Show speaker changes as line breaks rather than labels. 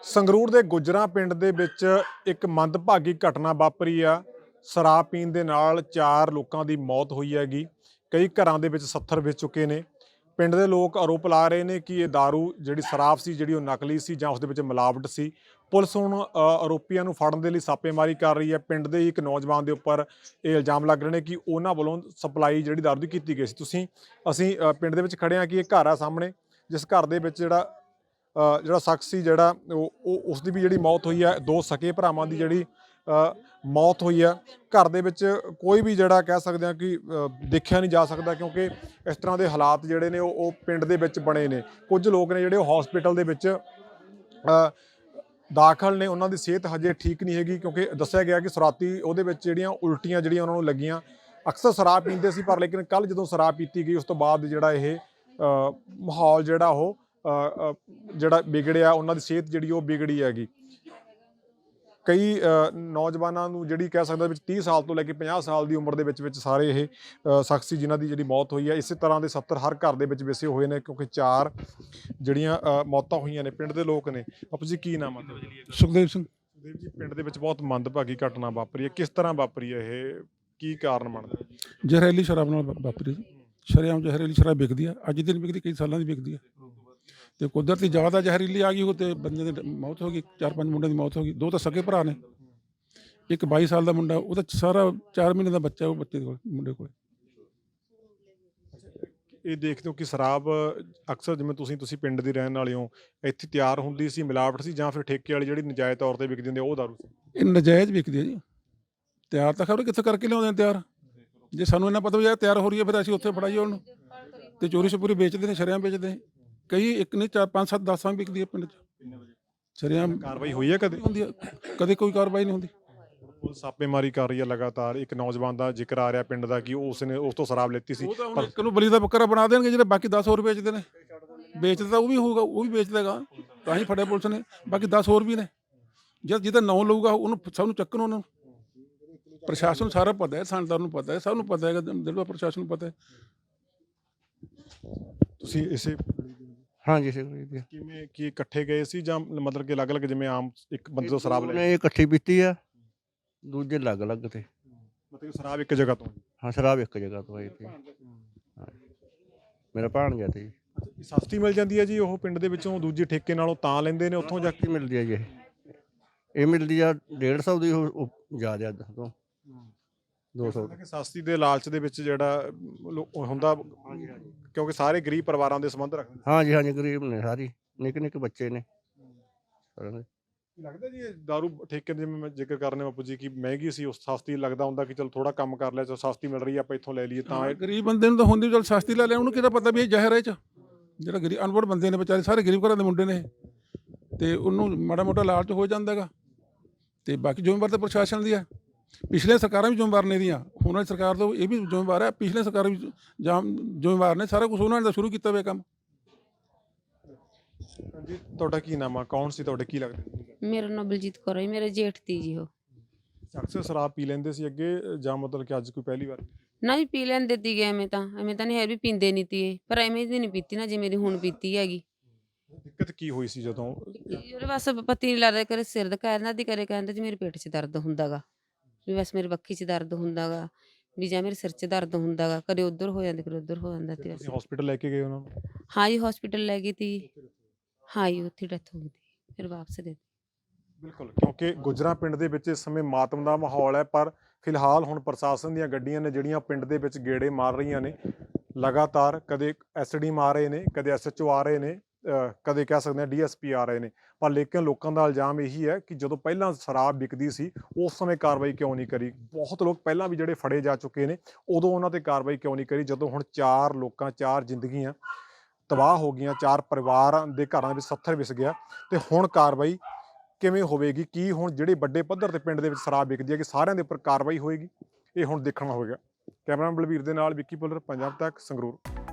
ਸੰਗਰੂਰ ਦੇ ਗੁੱਜਰਾਂ ਪਿੰਡ ਦੇ ਵਿੱਚ ਇੱਕ ਮੰਦਭਾਗੀ ਘਟਨਾ ਵਾਪਰੀ ਆ। ਸ਼ਰਾਬ ਪੀਣ ਦੇ ਨਾਲ 4 ਲੋਕਾਂ ਦੀ ਮੌਤ ਹੋਈ ਹੈਗੀ। ਕਈ ਘਰਾਂ ਦੇ ਵਿੱਚ ਸੱਥਰ ਵਿਛ ਚੁੱਕੇ ਨੇ। ਪਿੰਡ ਦੇ ਲੋਕ ਆਰੋਪ ਲਾ ਰਹੇ ਨੇ ਕਿ ਇਹ दारू ਜਿਹੜੀ ਸ਼ਰਾਬ ਸੀ ਜਿਹੜੀ ਉਹ ਨਕਲੀ ਸੀ ਜਾਂ ਉਸ ਦੇ ਵਿੱਚ ਮਿਲਾਵਟ ਸੀ। ਪੁਲਿਸ ਹੁਣ ਆਰੋਪੀਆਂ ਨੂੰ ਫੜਨ ਦੇ ਲਈ ਛਾਪੇਮਾਰੀ ਕਰ ਰਹੀ ਹੈ। ਪਿੰਡ ਦੇ ਇੱਕ ਨੌਜਵਾਨ ਦੇ ਉੱਪਰ ਇਹ ਇਲਜ਼ਾਮ ਲੱਗ ਰਹੇ ਨੇ ਕਿ ਉਹਨਾਂ ਵੱਲੋਂ ਸਪਲਾਈ ਜਿਹੜੀ दारू ਦੀ ਕੀਤੀ ਗਈ ਸੀ। ਅਸੀਂ ਪਿੰਡ ਦੇ ਵਿੱਚ ਖੜੇ ਹਾਂ ਕਿ ਇਹ ਘਰ ਆ ਸਾਹਮਣੇ, ਜਿਸ ਘਰ ਦੇ ਵਿੱਚ ਜਿਹੜਾ ਸ਼ਖਸ ਸੀ ਜਿਹੜਾ ਉਸ ਦੀ ਵੀ ਜਿਹੜੀ ਮੌਤ ਹੋਈ ਹੈ। 2 ਸਕੇ ਭਰਾਵਾਂ ਦੀ ਜਿਹੜੀ ਮੌਤ ਹੋਈ ਆ। ਘਰ ਦੇ ਵਿੱਚ ਕੋਈ ਵੀ ਜਿਹੜਾ ਕਹਿ ਸਕਦੇ ਹਾਂ ਕਿ ਦੇਖਿਆ ਨਹੀਂ ਜਾ ਸਕਦਾ, ਕਿਉਂਕਿ ਇਸ ਤਰ੍ਹਾਂ ਦੇ ਹਾਲਾਤ ਜਿਹੜੇ ਨੇ ਉਹ ਪਿੰਡ ਦੇ ਵਿੱਚ ਬਣੇ ਨੇ। ਕੁਝ ਲੋਕ ਨੇ ਜਿਹੜੇ ਉਹ ਹਸਪੀਟਲ ਦੇ ਵਿੱਚ ਦਾਖਲ ਨੇ, ਉਹਨਾਂ ਦੀ ਸਿਹਤ ਹਜੇ ਠੀਕ ਨਹੀਂ ਹੈਗੀ, ਕਿਉਂਕਿ ਦੱਸਿਆ ਗਿਆ ਕਿ ਸ਼ਰਾਰਤੀ ਉਹਦੇ ਵਿੱਚ ਜਿਹੜੀਆਂ ਉਲਟੀਆਂ ਜਿਹੜੀਆਂ ਉਹਨਾਂ ਨੂੰ ਲੱਗੀਆਂ। ਅਕਸਰ ਸ਼ਰਾਬ ਪੀਂਦੇ ਸੀ, ਪਰ ਲੇਕਿਨ ਕੱਲ੍ਹ ਜਦੋਂ ਸ਼ਰਾਬ ਪੀਤੀ ਗਈ ਉਸ ਤੋਂ ਬਾਅਦ ਜਿਹੜਾ ਇਹ ਮਾਹੌਲ ਜਿਹੜਾ ਉਹ ਜਿਹੜਾ ਵਿਗੜਿਆ, ਉਹਨਾਂ ਦੀ ਸਿਹਤ ਜਿਹੜੀ ਉਹ ਵਿਗੜੀ ਹੈਗੀ। ਕਈ ਨੌਜਵਾਨਾਂ ਨੂੰ ਜਿਹੜੀ ਕਹਿ ਸਕਦਾ ਵਿੱਚ 30 ਸਾਲ ਤੋਂ ਲੈ ਕੇ 50 ਸਾਲ ਦੀ ਉਮਰ ਦੇ ਵਿੱਚ ਸਾਰੇ ਇਹ ਸ਼ਖਸ ਸੀ ਜਿਨ੍ਹਾਂ ਦੀ ਜਿਹੜੀ ਮੌਤ ਹੋਈ ਹੈ। ਇਸੇ ਤਰ੍ਹਾਂ ਦੇ 70 ਹਰ ਘਰ ਦੇ ਵਿੱਚ ਵਸੇ ਹੋਏ ਨੇ, ਕਿਉਂਕਿ 4 ਜਿਹੜੀਆਂ ਮੌਤਾਂ ਹੋਈਆਂ ਨੇ। ਪਿੰਡ ਦੇ ਲੋਕ ਨੇ। ਬਾਪੂ ਜੀ ਕੀ ਨਾਮ ਹੈ?
ਸੁਖਦੇਵ ਸਿੰਘ।
ਸੁਖਦੇਵ ਜੀ, ਪਿੰਡ ਦੇ ਵਿੱਚ ਬਹੁਤ ਮੰਦਭਾਗੀ ਘਟਨਾ ਵਾਪਰੀ ਹੈ, ਕਿਸ ਤਰ੍ਹਾਂ ਵਾਪਰੀ ਹੈ ਇਹ, ਕੀ ਕਾਰਨ ਬਣਦਾ?
ਜ਼ਹਿਰੀਲੀ ਸ਼ਰਾਬ ਨਾਲ ਵਾਪਰੀ ਜੀ। ਸ਼ਰੇਆਮ ਜ਼ਹਿਰੀਲੀ ਸ਼ਰਾਬ ਵਿਕਦੀ ਆ, ਅੱਜ ਦਿਨ ਵਿਕਦੀ, ਕਈ ਸਾਲਾਂ ਦੀ ਵਿਕਦੀ ਆ। ਤੇ ਕੁਦਰਤੀ ਜ਼ਿਆਦਾ ਜ਼ਹਿਰੀਲੀ ਆ ਗਈ ਉਹ ਤੇ ਬੰਦੇ ਦੀ ਮੌਤ ਹੋ ਗਈ। 4-5 ਮੁੰਡਿਆਂ ਦੀ ਮੌਤ ਹੋ ਗਈ। 2 ਤਾਂ ਸਕੇ ਭਰਾ ਨੇ, ਇੱਕ 22 ਸਾਲ ਦਾ ਮੁੰਡਾ, ਉਹਦਾ ਸਾਰਾ 4 ਮਹੀਨੇ ਦਾ ਬੱਚਾ ਉਹ ਬੱਚੇ ਕੋਲ, ਮੁੰਡੇ ਕੋਲ।
ਇਹ ਦੇਖਦੇ ਹੋ ਕਿ ਸ਼ਰਾਬ ਅਕਸਰ ਜਿਵੇਂ ਤੁਸੀਂ ਪਿੰਡ ਦੇ ਰਹਿਣ ਵਾਲੇ ਹੋ, ਇੱਥੇ ਤਿਆਰ ਹੁੰਦੀ ਸੀ, ਮਿਲਾਵਟ ਸੀ, ਜਾਂ ਫਿਰ ਠੇਕੇ ਵਾਲੀ ਜਿਹੜੀ ਨਜਾਇਜ਼ ਤੌਰ ਤੇ ਵਿਕਦੀ ਹੁੰਦੀ ਉਹ ਦਾਰੂ ਸੀ?
ਇਹ ਨਜਾਇਜ਼ ਵਿਕਦੀ ਹੈ ਜੀ। ਤਿਆਰ ਤਾਂ ਖਬਰ ਕਿੱਥੇ ਕਰਕੇ ਲਿਆਉਂਦੇ ਨੇ ਤਿਆਰ। ਜੇ ਸਾਨੂੰ ਇਹਨਾਂ ਪਤਾ ਵੀ ਇਹ ਤਿਆਰ ਹੋ ਰਹੀ ਹੈ ਫਿਰ ਅਸੀਂ ਉੱਥੇ ਫੜਾਈਏ ਉਹਨੂੰ। ਤੇ ਚੋਰੀ ਛਪੂਰੀ ਵੇਚਦੇ ਨੇ, ਸ਼ਰੇਆਮ ਵੇਚਦੇ ਨੇ। ਕਈ ਇੱਕ ਨਹੀਂ 4 5 7 10 ਵਿਕਦੀ ਹੈ ਪਿੰਡ 'ਚ। ਸ਼ਰੇਆਮ
ਕਾਰਵਾਈ ਹੋਈ ਹੈ ਕਦੇ?
ਹੁੰਦੀ ਹੈ, ਕਦੇ ਕੋਈ ਕਾਰਵਾਈ ਨਹੀਂ ਹੁੰਦੀ।
ਪੁਲਿਸ ਛਾਪੇਮਾਰੀ ਕਰ ਰਹੀ ਹੈ ਲਗਾਤਾਰ। ਇੱਕ ਨੌਜਵਾਨ ਦਾ ਜ਼ਿਕਰ ਆ ਰਿਹਾ ਪਿੰਡ ਦਾ ਕਿ ਉਸਨੇ ਉਸ ਤੋਂ ਸ਼ਰਾਬ ਲੈਤੀ ਸੀ।
ਪਰ ਇੱਕ ਨੂੰ ਬਲੀ ਦਾ ਬੱਕਰਾ ਬਣਾ ਦੇਣਗੇ, ਜਿਹੜੇ ਬਾਕੀ 10 ਹੋਰ ਵੇਚਦੇ ਨੇ। ਵੇਚਦਾ ਤਾਂ ਉਹ ਵੀ ਹੋਊਗਾ, ਉਹ ਵੀ ਵੇਚਦਾਗਾ, ਤਾਂ ਹੀ ਫੜਿਆ ਪੁਲਿਸ ਨੇ। ਬਾਕੀ 10 ਹੋਰ ਵੀ ਨੇ। ਜਦ ਜਿਹਦਾ ਨਾਂ ਲਊਗਾ ਉਹਨੂੰ ਸਭ ਨੂੰ ਚੱਕਣ। ਉਹਨੂੰ ਪ੍ਰਸ਼ਾਸਨ ਨੂੰ ਸਾਰਾ ਪਤਾ ਹੈ, ਥਾਣੇਦਾਰ ਨੂੰ ਪਤਾ ਹੈ, ਸਭ ਨੂੰ ਪਤਾ ਹੈਗਾ, ਜਿਹੜਾ ਪ੍ਰਸ਼ਾਸਨ ਨੂੰ ਪਤਾ ਹੈ।
ਤੁਸੀਂ ਇਸੇ
ਹਾਂਜੀ
ਕਿਵੇਂ ਕੀ ਇਕੱਠੇ ਗਏ ਸੀ ਜਾਂ ਮਤਲਬ ਕਿ ਅਲੱਗ-ਅਲੱਗ, ਜਿਵੇਂ ਆਮ ਇੱਕ ਬੰਦੇ ਤੋਂ ਸ਼ਰਾਬ ਲੈ?
ਇਹ ਇਕੱਠੀ ਪੀਤੀ ਆ, ਦੂਜੇ ਅਲੱਗ-ਅਲੱਗ ਤੇ।
ਮਤਲਬ ਸ਼ਰਾਬ ਇੱਕ ਜਗ੍ਹਾ ਤੋਂ?
ਹਾਂ, ਸ਼ਰਾਬ ਇੱਕ ਜਗ੍ਹਾ ਤੋਂ ਆਈ ਸੀ। ਮੇਰਾ ਭਾਣਜਾ ਤੇ ਜੀ।
ਸਸਤੀ ਮਿਲ ਜਾਂਦੀ ਹੈ ਜੀ ਉਹ ਪਿੰਡ ਦੇ ਵਿੱਚੋਂ ਦੂਜੇ ਠੇਕੇ ਨਾਲੋਂ ਤਾਂ ਲੈਂਦੇ ਨੇ ਉੱਥੋਂ ਜਾ ਕੇ?
ਮਿਲਦੀ ਆ ਜੀ। ਇਹ ਮਿਲਦੀ ਆ 150 ਦੀ, ਉਹ ਜ਼ਿਆਦਾ ਤੋਂ 200।
ਸਸਤੀ ਦੇ ਲਾਲਚ ਦੇ ਵਿੱਚ ਜਿਹੜਾ ਹੁੰਦਾ, ਕਿਉਂਕਿ ਸਾਰੇ ਗਰੀਬ ਪਰਿਵਾਰਾਂ ਦੇ ਸੰਬੰਧ ਰੱਖਦੇ।
ਹਾਂਜੀ ਹਾਂਜੀ, ਗਰੀਬ ਨੇ ਸਾਰੀ, ਨਿੱਕੇ ਨਿੱਕੇ ਬੱਚੇ ਨੇ।
ਲੱਗਦਾ ਜੀ ਇਹ ਦਾਰੂ ਠੇਕੇ ਦੇ, ਜਿਵੇਂ ਮੈਂ ਜ਼ਿਕਰ ਕਰਨੇ ਬਾਪੂ ਜੀ ਕਿ ਮਹਿੰਗੀ ਸੀ, ਉਸ ਸਸਤੀ ਲੱਗਦਾ ਹੁੰਦਾ ਕਿ ਚਲ ਥੋੜਾ ਕੰਮ ਕਰ ਲਿਆ, ਚਲ ਸਸਤੀ ਮਿਲ ਰਹੀ ਹੈ ਆਪਾਂ ਇੱਥੋਂ ਲੈ ਲਈਏ। ਤਾਂ
ਗਰੀਬ ਬੰਦੇ ਨੂੰ ਤਾਂ ਹੁੰਦੀ ਚਲ ਸਸਤੀ ਲੈ ਲਿਆ, ਉਹਨੂੰ ਕਿਹਦਾ ਪਤਾ ਵੀ ਇਹ ਜ਼ਹਿਰ ਹੈ। ਜਿਹੜਾ ਗਰੀਬ ਅਨਪੜ੍ਹ ਬੰਦੇ ਨੇ ਵਿਚਾਰੇ, ਸਾਰੇ ਗਰੀਬ ਘਰਾਂ ਦੇ ਮੁੰਡੇ ਨੇ, ਤੇ ਉਹਨੂੰ ਮਾੜਾ ਮੋਟਾ ਲਾਲਚ ਹੋ ਜਾਂਦਾ ਹੈਗਾ। ਤੇ ਬਾਕੀ ਜ਼ਿੰਮੇਵਾਰ ਤਾਂ ਪ੍ਰਸ਼ਾਸਨ ਦੀ ਹੈ। ਪਿਛਲੇ ਸਰਕਾਰਾਂ ਵੀ ਜ਼ਿੰਮੇਵਾਰ ਨੇ ਦੀਆਂ, ਹੁਣ ਵਾਲੀ ਸਰਕਾਰ ਤੋਂ ਇਹ ਵੀ ਜ਼ਿੰਮੇਵਾਰ ਹੈ। ਪਿਛਲੇ ਸਰਕਾਰਾਂ ਵੀ ਜ਼ਿੰਮੇਵਾਰ ਨੇ, ਸਾਰਾ ਕੁਛ ਉਹਨਾਂ ਨੇ ਤਾਂ ਸ਼ੁਰੂ ਕੀਤਾ ਹੋਇਆ ਕੰਮ।
ਜੀ ਤੁਹਾਡਾ ਕੀ ਨਾਮ ਆ, ਕੌਣ ਸੀ ਤੁਹਾਡੇ, ਕੀ ਲੱਗਦਾ?
ਮੇਰਾ ਨਾਮ ਬਲਜੀਤ ਕੌਰ ਹੈ, ਮੇਰੇ ਜੇਠ ਦੀ ਜੀ। ਉਹ
ਅਕਸਰ ਸ਼ਰਾਬ ਪੀ ਲੈਂਦੇ ਸੀ ਅੱਗੇ, ਜਾਂ ਮਤਲਬ ਕਿ ਅੱਜ ਕੋਈ ਪਹਿਲੀ ਵਾਰ?
ਨਾ ਜੀ, ਪੀ ਲੈਂਦੇ ਤੀਗੇ। ਐਵੇਂ ਤਾਂ ਨਹੀਂ ਹੈ ਵੀ ਪੀਂਦੇ ਨਹੀਂ ਤੀ, ਪਰ ਐਵੇਂ ਦੀ ਨਹੀਂ ਪੀਤੀ ਨਾ ਜੀ ਮੇਰੀ ਹੁਣ ਪੀਤੀ ਹੈਗੀ।
ਦਿੱਕਤ ਕੀ ਹੋਈ ਸੀ ਜਦੋਂ?
ਉਹਦੇ ਬਸ ਪਤੀ ਨਹੀਂ ਲੱਗਦਾ, ਕਰੇ ਸਿਰ ਦੁਖਾ ਜਾਂਦਾ ਦੀ, ਕਰੇ ਕਹਿੰਦੇ ਜੀ ਮੇਰੇ ਪੇਟ 'ਚ ਦਰਦ ਹੁੰਦਾ ਗਾ, ਵੀ ਬਸ ਮੇਰੇ ਬੱਖੀ 'ਚ ਦਰਦ ਹੁੰਦਾ ਗਾ, ਵੀ ਜਾਂ ਮੇਰੇ ਸਿਰ 'ਚ ਦਰਦ ਹੁੰਦਾ ਗਾ, ਕਦੇ ਉੱਧਰ ਹੋ ਜਾਂਦਾ ਕਦੇ ਉੱਧਰ ਹੋ ਜਾਂਦਾ। ਤੇ
ਤੁਸੀਂ ਹਸਪੀਟਲ ਲੈ ਕੇ ਗਏ ਉਹਨਾਂ ਨੂੰ?
ਹਾਂ ਜੀ, ਹਸਪੀਟਲ ਲੈ ਗਈ ਤੀ। ਹਾਂ ਜੀ, ਉੱਥੇ ਡੈਥ ਹੋ ਗਈ ਤੀ, ਫਿਰ ਵਾਪਸ ਦੇ।
ਬਿਲਕੁਲ, ਕਿਉਂਕਿ ਗੁੱਜਰਾਂ ਪਿੰਡ ਦੇ ਵਿੱਚ ਇਸ ਸਮੇਂ ਮਾਤਮ ਦਾ ਮਾਹੌਲ ਹੈ, ਪਰ ਫਿਲਹਾਲ ਹੁਣ ਪ੍ਰਸ਼ਾਸਨ ਦੀਆਂ ਗੱਡੀਆਂ ਨੇ ਜਿਹੜੀਆਂ ਪਿੰਡ ਦੇ ਵਿੱਚ ਗੇੜੇ ਮਾਰ ਰਹੀਆਂ ਨੇ ਲਗਾਤਾਰ। ਕਦੇ ਐਸਡੀ ਆ ਰਹੇ ਨੇ, ਕਦੇ ਐਸਐਚਓ ਆ ਰਹੇ ਨੇ, ਕਦੇ ਕਹਿ ਸਕਦੇ ਹਾਂ ਡੀਐਸਪੀ ਆ ਰਹੇ ਨੇ। ਪਰ ਲੇਕਿਨ ਲੋਕਾਂ ਦਾ ਇਲਜ਼ਾਮ ਇਹੀ ਹੈ ਕਿ ਜਦੋਂ ਪਹਿਲਾਂ ਸ਼ਰਾਬ ਵਿਕਦੀ ਸੀ ਉਸ ਸਮੇਂ ਕਾਰਵਾਈ ਕਿਉਂ ਨਹੀਂ ਕਰੀ? ਬਹੁਤ ਲੋਕ ਪਹਿਲਾਂ ਵੀ ਜਿਹੜੇ ਫੜੇ ਜਾ ਚੁੱਕੇ ਨੇ, ਉਦੋਂ ਉਹਨਾਂ ਤੇ ਕਾਰਵਾਈ ਕਿਉਂ ਨਹੀਂ ਕਰੀ? ਜਦੋਂ ਹੁਣ 4 ਲੋਕਾਂ, 4 ਜ਼ਿੰਦਗੀਆਂ ਤਬਾਹ ਹੋ ਗਈਆਂ, 4 ਪਰਿਵਾਰਾਂ ਦੇ ਘਰਾਂ ਵਿੱਚ ਸੱਥਰ ਵਿਸ ਗਿਆ, ਤੇ ਹੁਣ ਕਾਰਵਾਈ ਕਿਵੇਂ ਹੋਵੇਗੀ? ਕੀ ਹੁਣ ਜਿਹੜੇ ਵੱਡੇ ਪੱਧਰ ਤੇ ਪਿੰਡ ਦੇ ਵਿੱਚ ਸ਼ਰਾਬ ਵਿਕਦੀ ਹੈ ਕਿ ਸਾਰਿਆਂ ਦੇ ਉੱਪਰ ਕਾਰਵਾਈ ਹੋਏਗੀ? ਇਹ ਹੁਣ ਦੇਖਣਾ ਹੋਵੇਗਾ। ਕੈਮਰਾਮੈਨ ਬਲਵੀਰ ਦੇ ਨਾਲ ਵਿੱਕੀ ਪੁੱਲਰ, ਪੰਜਾਬ ਤੱਕ, ਸੰਗਰੂਰ।